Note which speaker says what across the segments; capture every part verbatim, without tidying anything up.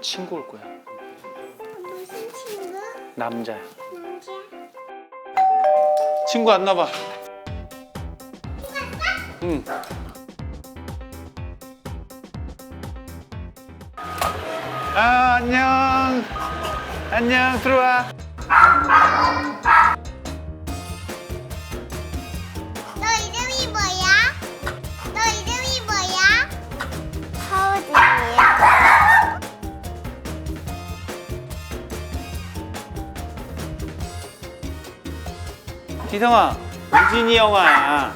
Speaker 1: 친구 올 거야.
Speaker 2: 무슨 친구?
Speaker 1: 남자야.
Speaker 2: 남자?
Speaker 1: 친구 왔나 봐. 응. 아, 안녕. 안녕, 들어와.
Speaker 2: 너 이름이 뭐야? 너 이름이 뭐야? 서우진이야.
Speaker 1: 기성아, 우진이 형아.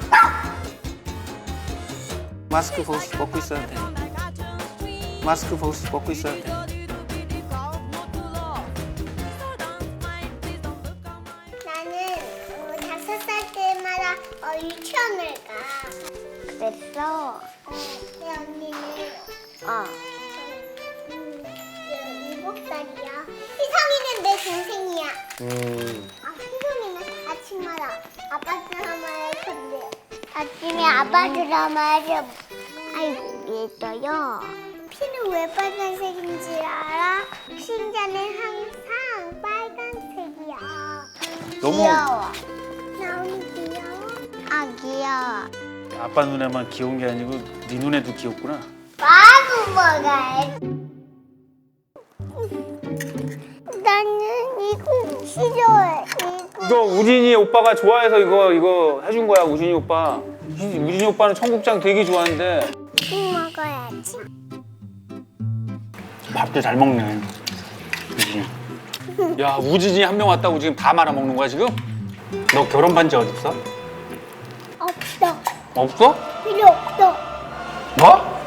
Speaker 1: 마스크 벗, 벗고 있어야 돼. 마스크 벗, 벗고 있어야 돼.
Speaker 2: 나는 어, 다섯 살 때마다 어, 유치원을 가. 그랬어? 어, 내 언니는 어. 음, 일- 일곱 살이야. 희성이는 내 동생이야.
Speaker 1: 음.
Speaker 2: 아, 희성이는 아침마다 아빠 드라마를 본대. 아침에 아빠 드라마를 아이고 있어요. 피는 왜 빨간색인지 알아? 신자는 항상 빨간색이야.
Speaker 1: 너무
Speaker 2: 귀여워. 나 오늘 귀여워? 아 귀여워.
Speaker 1: 아빠 눈에만 귀여운 게 아니고 네 눈에도 귀엽구나.
Speaker 2: 마구 먹어야지. 나는 이거 싫어해. 이거.
Speaker 1: 너 우진이 오빠가 좋아해서 이거 이거 해준 거야. 우진이 오빠. 우진이 오빠는 청국장 되게 좋아하는데.
Speaker 2: 이거 먹어야지.
Speaker 1: 밥도 잘 먹네. 우진이. 야, 우진이 한 명 왔다고 지금 다 말아 먹는 거야 지금? 너 결혼 반지 어디 있어?
Speaker 2: 없어.
Speaker 1: 없어?
Speaker 2: 필요 없어.
Speaker 1: 뭐?